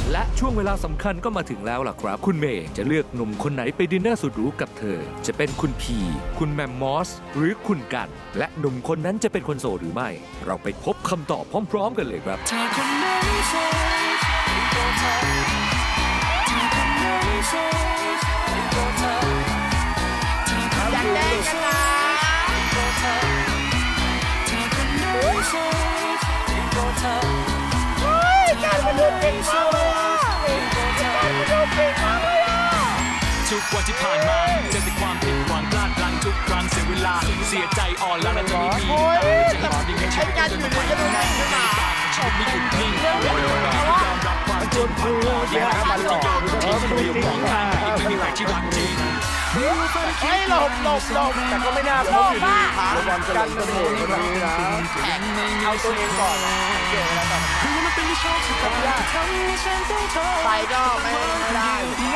และช่วงเวลาสำคัญก็มาถึงแล้วล่ะครับคุณเมย์จะเลือกหนุ่มคนไหนไปดินเนอร์สุดหรูกับเธอจะเป็นคุณพีคุณแมมมอสหรือคุณกันและหนุ่มคนนั้นจะเป็นคนโสดหรือไม่เราไปพบคำตอบพร้อมๆกันเลยครับถ้าคนไหนโสดก็เธอถ้าคนไหนโสดก็เธออยากแจ้งกันนะก็เธอถ้าคนไหนโสดก็เธอการมาดูเก่งมากเลยอ่ะการมาดูเก่งมากเลยอ่ะทุกวันที่ผ่านมาเจอแต่ความผิดหวังพลาดพลั้งทุกครั้งเสียเวลาเสียใจอ่อนล้าและจะไม่มีจะให้ความดีในชีวิตจะไม่ไปไหนชีวิตไม่หยุดนิ่งยอมรับความจนความอ่อนแอมันจะโยนทิ้งไม่มองข้ามไม่มีใครที่รักจริงไม่หลบแต่ก็ไม่น่าพบอยู่ดีระวังกันเป็นเหตุคนนี้นะเอาตัวเองก่อนเกี่ยวอะไรกับไปก็ไม่ได้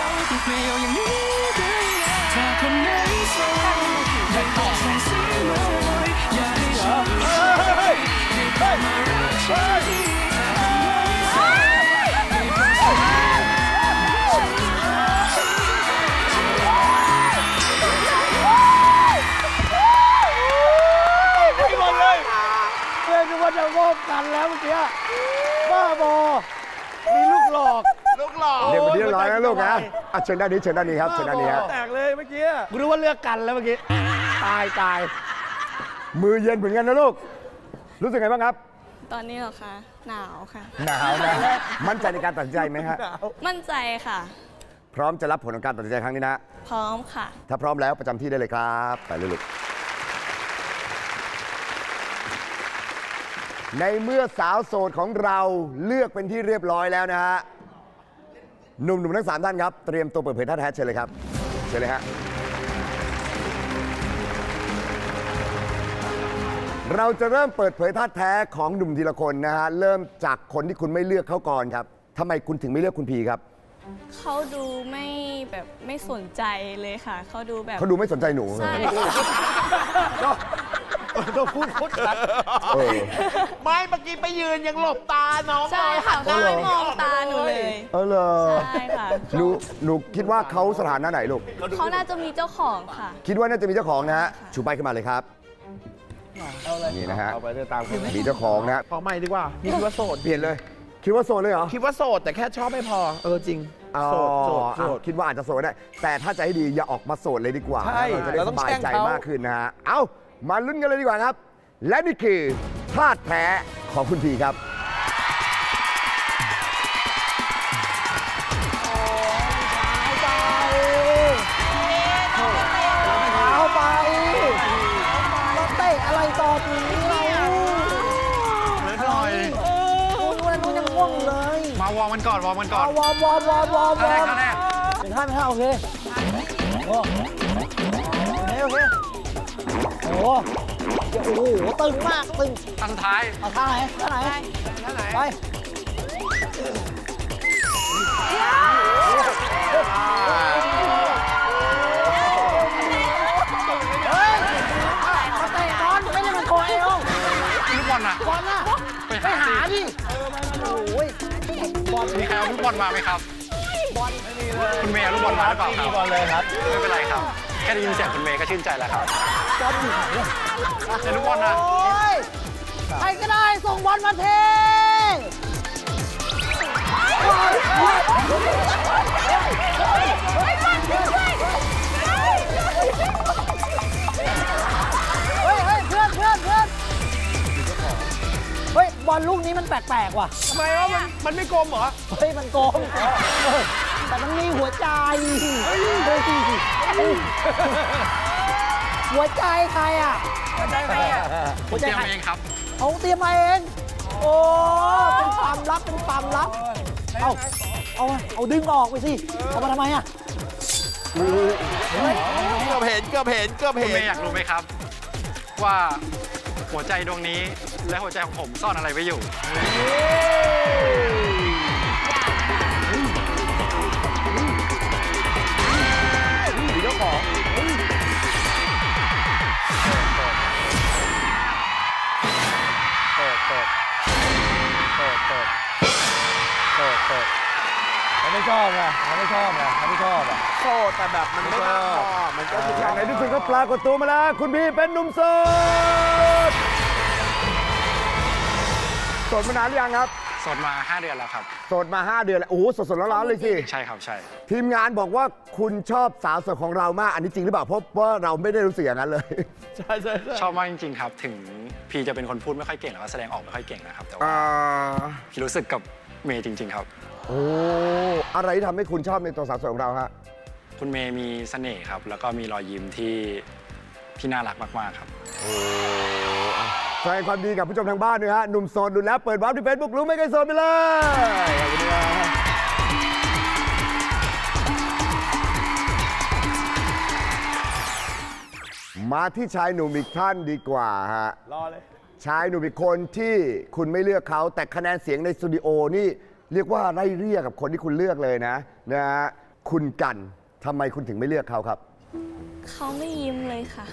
ถ้าคนไหนโสดได้ตอบส่งเสียงเลยอย่าให้ฉันมารักฉันไม่หมดเลยเพื่อนนึกว่าจะงบกันแล้วเมื่อกี้บ้าบอมีลูกหลอกเดี๋ยวเรียบร้อยแล้วลูกนะเชิญด้านนี้ครับเชิญด้านนี้ครับแตกเลยเมื่อกี้กูรู้ว่าเลือกกันแล้วเมื่อกี้ตายมือเย็นเหมือนกันนะลูกรู้สึกไงบ้างครับตอนนี้เหรอคะหนาวค่ะหนาวนะมั่นใจในการตัดสินใจไหมฮะมั่นใจค่ะพร้อมจะรับผลของการตัดสินใจครั้งนี้นะพร้อมค่ะถ้าพร้อมแล้วประจำที่ได้เลยครับไปเลยลูกในเมื่อสาวโสดของเราเลือกเป็นที่เรียบร้อยแล้วนะฮะหนุ่มๆทั้ง3ท่านครับเตรียมตัวเปิดเผยท่าแท้เชิญเลยครับเชิญเลยฮะเราจะเริ่มเปิดเผยท่าแท้ของหนุ่มทีละคนนะฮะเริ่มจากคนที่คุณไม่เลือกเขาก่อนครับทำไมคุณถึงไม่เลือกคุณพีครับเขาดูไม่สนใจเลยค่ะเขาดูไม่สนใจหนูใช่ต้องพูดชัดไม่เมื่อกี้ไปยืนยังหลบตาน้องใช่ค่ะเขาไม่มองตาหนูเลยเหรอใช่ค่ะหนูคิดว่าเขาสถานะไหนลูกเขาน่าจะมีเจ้าของค่ะคิดว่าน่าจะมีเจ้าของนะฮะชูป้ายขึ้นมาเลยครับนี่นะฮะเอาไปเดินตามมีเจ้าของนะขอใหม่ดีกว่านี่คิดว่าโสดเปลี่ยนเลยคิดว่าโสดเลยเหรอคิดว่าโสดแต่แค่ชอบไม่พอจริงโสดคิดว่าอาจจะโสดได้แต่ถ้าจะให้ดีอย่าออกมาโสดเลยดีกว่าใช่จะได้สบายใจมากขึ้นนะฮะเอามาลุ้นกันเลยดีกว่าครับและนี่คือท่าแท้ของคุณพีครับเอาไปเราเตะอะไรต่อทีนี้เราเล่นหน่อยนู้นยังง่วงเลยมาวอร์มกันก่อนวอร์มท่าแรกเป็นท่าโอเคโอ้โหตึงมากตึงท่าสุดท้ายเอาท่าไหนไปมาเตะบอลไม่ได้มันโกเอวลูกบอลน่ะไปหาดิโอ้ยบอลมีใครเอาลูกบอลมาไหมครับบอลไม่มีเลยคุณเมย์เอาลูกบอลมาหรือเปล่าครับบอลเลยครับไม่เป็นไรครับแค่ได้ยินเสียงคุณเมย์ก็ชื่นใจแล้วครับบอลอยู่ไหนเนี่ยในลูกบอลนะใครก็ได้ส่งบอลมาเทเฮ้ยบอลลูกนี้มันแปลกๆว่ะทำไมวะมันไม่กลมเหรอเฮ้ยมันกลมแต่มันมีหัวใจหัวใจใครอ่ะหัวใจใครอ่ะหัวใจเองครับเขาเตรียมมาเองโอ้เป็นความลับเอาดึงออกไปสิเอามาทำไมอ่ะเกือบเห็นคุณเมย์อยากรู้ไหมครับว่าหัวใจดวงนี้และหัวใจของผมซ่อนอะไรไว้อยู่เจ้าของเปิดเขาไม่ชอบไงเขาไม่ชอบไงเขาไม่ชอบอ่ะโสดแต่แบบมันไม่มากพอมันก็คือในที่สุดก็ปรากฏตัวมาแล้ว คุณพี่เป็นหนุ่มโสดโสดมานานหรือยังครับโสดมา 5 เดือนแล้วครับโสดมา 5 เดือนแล้ว โอ้โหสดๆร้อนๆเลยสิใช่ครับใช่ทีมงานบอกว่าคุณชอบสาวโสดของเรามาก อันนี้จริงหรือเปล่า เพราะว่าเราไม่ได้รู้สึกอย่างนั้นเลยใช่ใช่ใช่ชอบมากจริงๆครับ ถึงพี่จะเป็นคนพูดไม่ค่อยเก่งแล้วก็แสดงออกไม่ค่อยเก่งนะครับ แต่ว่าอ่าพี่รู้สึกกับเมย์จริง ๆ ครับโอ้อะไรที่ทำให้คุณชอบในตัวสาวโสดของเราฮะคุณเมย์มีเสน่ห์ครับ แล้วก็มีรอยยิ้มที่น่ารักมากๆครับแสดงความดีกับผู้ชมทางบ้านด้วยฮะ หนุ่มโสดดูแล้วเปิดวาร์ปที่เฟซบุ๊กรู้ไม่เคยโสดไปเลย ขอบคุณครับมาที่ชายหนุ่มอีกท่านดีกว่าฮะรอเลยชายหนุ่มอีกคนที่คุณไม่เลือกเขาแต่คะแนนเสียงในสตูดิโอนี่เรียกว่าไล่เรียกกับคนที่คุณเลือกเลยนะฮะคุณกันทำไมคุณถึงไม่เลือกเขาครับเขาไม่ยิ้มเลยค่ะ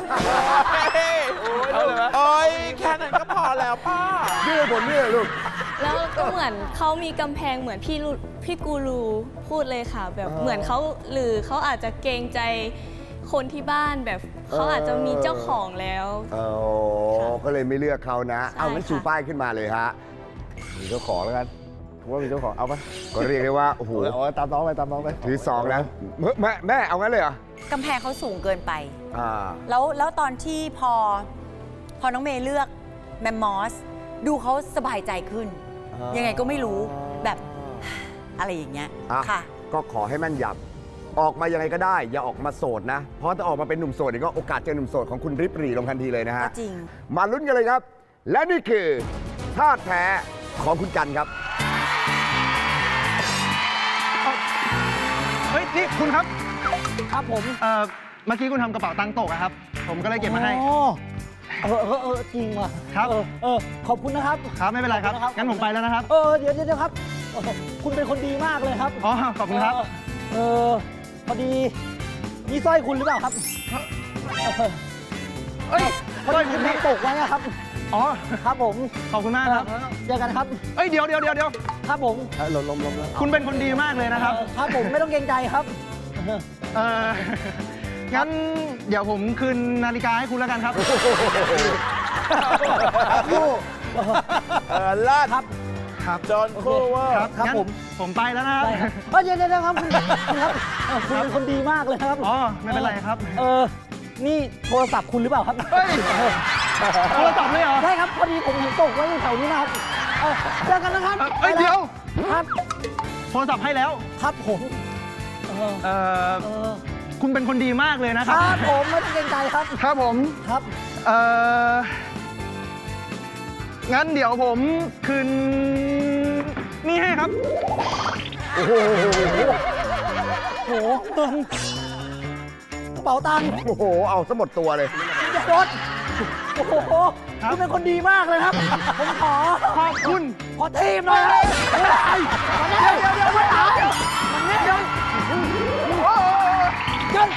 โอ้ยแค่นั้นก็พอแล้วป้าเลือกผมเลือกลูกแล้วก็เหมือนเขามีกำแพงเหมือนพี่กูรูพูดเลยค่ะ แบบเหมือนเขาหรือเขาอาจจะเกรงใจคนที่บ้านแบบเขาอาจจะมีเจ้าของแล้วอ๋อค่ะก็เลยไม่เลือกเขานะใช่เอางั้นค่ะชูป้ายขึ้นมาเลยฮะ มีเจ้าของแล้วกันผมว่ามีเจ้าของ เอาปะก็เรียกได้ว่า โอ้โหตามน้องไปตามน้องไปถือสองแล้วแม่เอางั้นเลยเหรอกำแพงเขาสูงเกินไปอ่าแล้วตอนที่พอน้องเมย์เลือกแมมมอส ดูเขาสบายใจขึ้น ยังไงก็ไม่รู้แบบอะไรอย่างเงี้ยอ่ะค่ะก็ขอให้แม่นยำออกมายังไงก็ได้ อย่าออกมาโสดนะ เพราะถ้าออกมาเป็นหนุ่มโสดเนี่ยก็โอกาสเจอหนุ่มโสดของคุณริบหรี่ลงทันทีเลยนะฮะก็จริงมาลุ้นกันเลยครับ และนี่คือท่าแท้ของคุณกันครับเฮ้ย นี่คุณครับครับผมเมื่อกี้คุณทำกระเป๋าตังค์ตกอะครับ ผมก็เลยเก็บมาให้จริงว่ะครับขอบคุณนะครับครับ ไม่เป็นไรครับขอบคุณนะครับงั้นผมไปแล้วนะครับเดี๋ยวครับ คุณเป็นคนดีมากเลยครับอ๋อ ขอบคุณครับพอดีนี่สร้อยคุณหรือเปล่าครับเอ้ยพอสร้อยดีคุคุณ ณนี่ทำตกไว้อะครับอ๋อครับผมขอบคุณมากครับเจอกันครับเอ้ย เดี๋ยวครับผมลมแล้วคุณเป็นคนดีมากเลยนะครับครับผมไม่ต้องเกรงใจครับเอองั้นเดี๋ยวผมคืนนาฬิกาให้คุณแล้วกันครับลาดครับครับจอห์นโคเวอร์ครับครับงั้นผมไปแล้วนะครับเดี๋ยวครับคุณครับคุณเป็นคนดีมากเลยครับอ๋อ ไม่เป็นไรครับนี่โทรศัพท์คุณหรือเปล่าครับเฮ้ย โทรศัพท์เลยเหรอใช่ครับ พอดีผมเห็นตกไว้อยู่แถวนี้นะครับเจอกันนะครับเอ้ย เดี๋ยวครับโทรศัพท์ให้แล้วครับผมเอ่อ คุณเป็นคนดีมากเลยนะคครัรับผมไม่ต้องเกรงใจครับครับผมครับเอ่อ งั้นเดี๋ยวผมคืนนี่ให้ครับโอ้โหเงินกระเป๋าตังค์โอ้โห เอาซะหมดตัวเลยรถโอ้โหครับคุณเป็นคนดีมากเลยครับ ผมขอขอบคุณขอทีมหน่อยครับมันนี่เดี๋ยวไม่เอามันนี่เดี๋ยวเดี๋ยว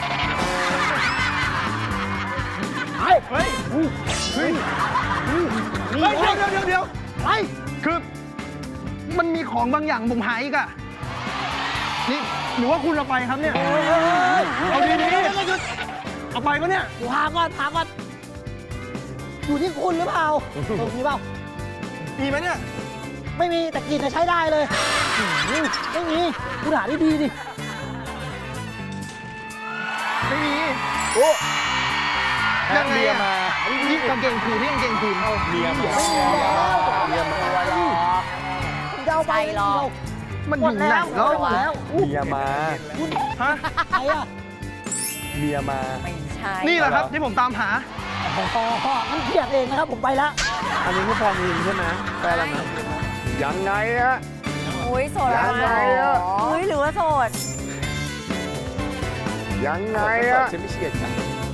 ไอ้เฮ้ย เฮ้ยนี่เฮ้ยไงเดี๋ยวไอ้คือ มันมีของบางอย่างผมหายอีกอะนี่หรือว่าคุณเอาไปครับเนี่ย เอาดีๆเอาไปปะเนี่ยพาก่อนอยู่ที่คุณหรือเปล่าตรงนี้เปล่ามีไหมเนี่ยไม่มีแต่กลินใช้ได้เลยไม่มีคุณหาดีๆดิไม่มีโอ้ยังไงอะนี่กางเกงคืนนี่กางเกงคืนเมียมาไม่มีแล้วคุณจะเอาไปใช่หรอกมันอยู่ไหนแล้วหมดแล้วเมียมาฮะใครอ่ะเมียมาไม่ใช่นี่แหละครับที่ผมตามหาพ่อมันเกลียดเองนะครับผมไปแล้วอันนี้คือแฟนจริงใช่ไหมแฟนแล้วนะยังไงฮะโอ้ยโสดแล้วยังไงอะเฮ้ยหรือว่าโสดยังไงอะฉันไม่เชียดกัน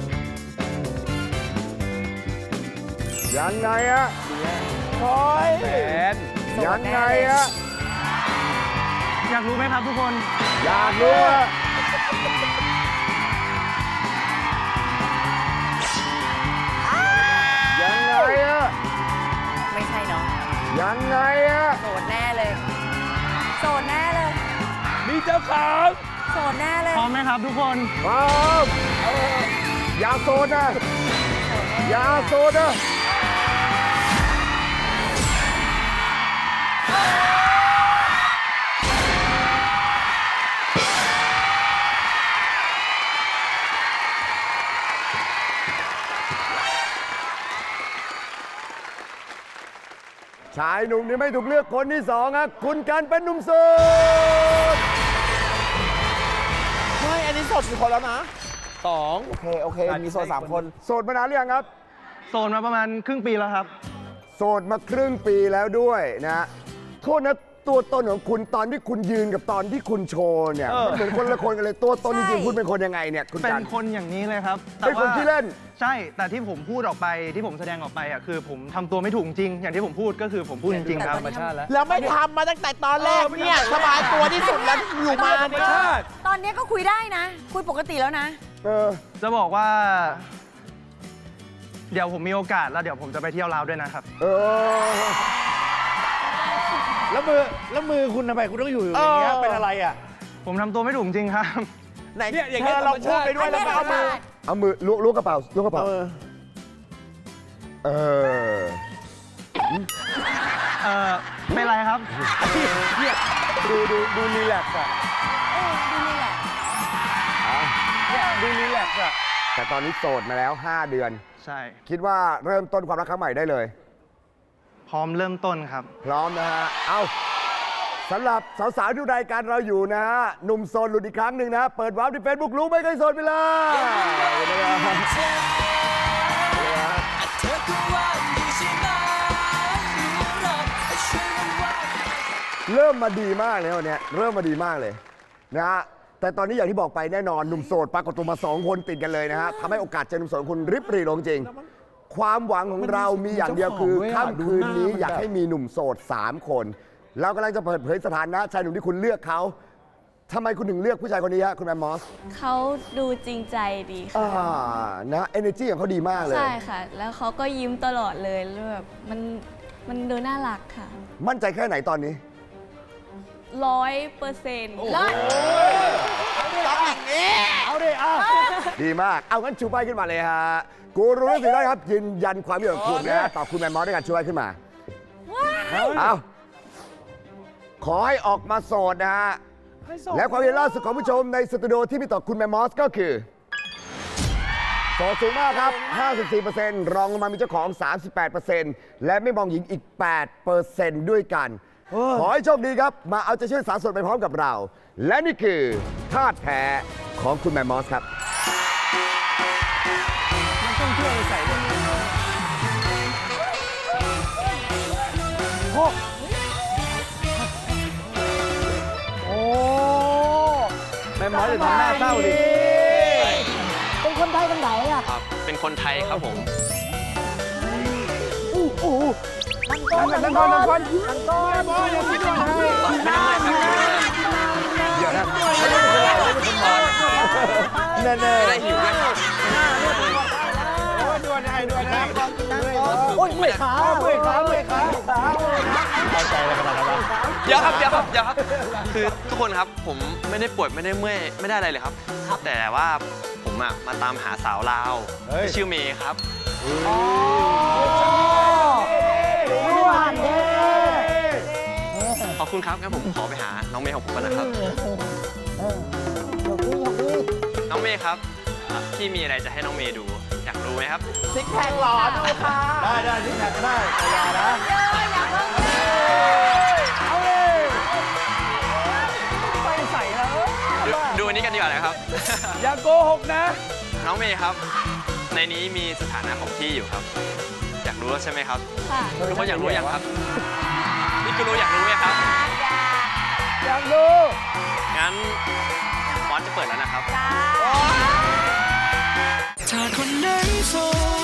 ยังไงอะโอ้ยแฟนยังไงอะอยากรู้ไหมครับทุกคนอยากรู้อะยังไงอะไม่ใช่เนาะยังไงอะโสดแน่เลย โสดแน่เลยมีเจ้าของโสดแน่เลยพร้อมไหมครับทุกคนพร้อมอย่าโซนนะอย่าโซนนะ ชายหนุ่มที่ไม่ถูกเลือกคนที่สองครับคุณกันเป็นหนุ่มโสดไม่อันนี้โสดกี่คนแล้วนะ2โอเค มีโสด3 คนโสดมานานหรือยังครับโสดมาประมาณครึ่งปีแล้วครับโสดมาครึ่งปีแล้วด้วยนะโทษนะตัวตนของคุณตอนที่คุณยืนกับตอนที่คุณโชว์เนี่ยมันเหมือนคนละคนกันเลยตัวตนจริงๆคุณเป็นคนยังไงเนี่ยคุณเป็กันนคนอย่างนี้เลยครับเป็นคนที่เล่นใช่ แต่ที่ผมพูดออกไปที่ผมแสดงออกไปอ่ะคือผมทำตัวไม่ถูกจริง อย่างที่ผมพูดก็คือผมพูดจริงๆครับแล้วไม่ทำมาตั้งแต่ตอนแรกเนี่ยสบายตัวที่สุดแล้วอยู่มาเนี่ยตอนนี้ก็คุยได้นะ คุยปกติแล้วนะเออจะบอกว่า เดี๋ยวผมมีโอกาสแล้วเดี๋ยวผมจะไปเที่ยวลาวด้วยนะครับเออแล้วมือคุณทำไมคุณต้องอยู่อย่างเงี้ยเป็นอะไรอ่ะผมทำตัวไม่ถูกจริงครับไหนเนี่ยอย่างเงี้ยเราพูดไปด้วยแล้วก็เอามือเอามือล้วงกระเป๋าล้วงกระเป๋าเออไม่ไรครับดูรีแลกซ์อ่ะดูรีแลกซ์อ่ะแต่ตอนนี้โสดมาแล้ว 5 เดือนใช่คิดว่าเริ่มต้นความรักครั้งใหม่ได้เลยพร้อมเริ่มต้นครับพร้อมนะฮะ เอาสำหรับสาวๆที่ดูรายการเราอยู่นะฮะ หนุ่มโสดหลุดอีกครั้งหนึ่งนะ เปิดวาร์ปที่เฟซบุ๊กรู้ไม่เคยโสดไปเลยเริ่มมาดีมากเลยวันนี้เริ่มมาดีมากเลยนะฮะ แต่ตอนนี้อย่างที่บอกไปแน่นอนหนุ่มโสดปรากฏตัวมา 2 คนติดกันเลยนะฮะทำให้โอกาสเจอหนุ่มโสดคุณริบหรี่ลงจริง ความหวังของเรามีอย่างเดียวคือค่ำคืนนี้อยากให้มีหนุ่มโสด 3 คน เรากำลังจะเปิดเผยสถานะชายหนุ่มที่คุณเลือกเขาทำไมคุณถึงเลือกผู้ชายคนนี้ฮะคุณแมมมอสเขาดูจริงใจดีค่ะนะ energy ของเขาดีมากเลยใช่ค่ะ แล้วเขาก็ยิ้มตลอดเลยแล้วแบบมันดูน่ารักค่ะมั่นใจแค่ไหนตอนนี้ 100% ตแล้ว้องอย่างนี้เอาดิเอาดีมาก เอางั้นชูป้ายขึ้นมาเลยฮะ กูรู้สิได้ครับ ยืนยันความเห็นของคุณนะตอบคุณแมมมอสด้วยกันชูป้ายขึ้นมา เอาขอให้ออกมาโสดนะฮะ และความเห็นล่าสุดของผู้ชมในสตูดิโอที่มีต่อคุณแมมมอสก็คือโสดสูงมากครับ 54%รองลงมามีเจ้าของ 38%และไม่มองหญิงอีก 8%ด้วยกัน ขอให้โชคดีครับ มาเอาใจช่วยสาวโสดไปพร้อมกับเรา และนี่คือท่าแท้ของคุณแมมมอสครับโอ้แม่มอสจะทำหน้าเศร้าดิเป็นคนไทยกันไหนอ่ะครับ เป็นคนไทยครับผมนั่งก่อนแม่มอสยังไม่โดนให้เดี๋ยวนะ แน่ได้หิวด้วยครับด่วนให้โอ้ยเมื่อยขาเมื่อยขาเข้าใจอะไรขนาดนั้นวะเดี๋ยวครับ คือทุกคนครับผมไม่ได้ป่วยไม่ได้เมื่อยไม่ได้อะไรเลยครับ แต่ว่าผมอะมาตามหาสาวลาวที่ชื่อเมย์ครับ ขอบคุณครับงั้นผมขอไปหาน้องเมย์ของผมก่อนนะครับ น้องเมย์ครับพี่มีอะไรจะให้น้องเมย์ดู อยากรู้ไหมครับซิกแพคหล่อดูค่ะได้ซิกแพคก็ได้แต่อย่านะเอาเลยไปใส่แล้วดูอันนี้กันดีกว่านะครับอย่าโกหกนะน้องเมย์ครับ ในนี้มีสถานะของพี่อยู่ครับ อยากรู้แล้วใช่ไหมครับค่ะทุกคนอยากรู้ยังครับพี่กูรู้อยากรู้ไหมครับอยากรู้งั้นมอสจะเปิดแล้วนะครับถ้าคนไหนโสด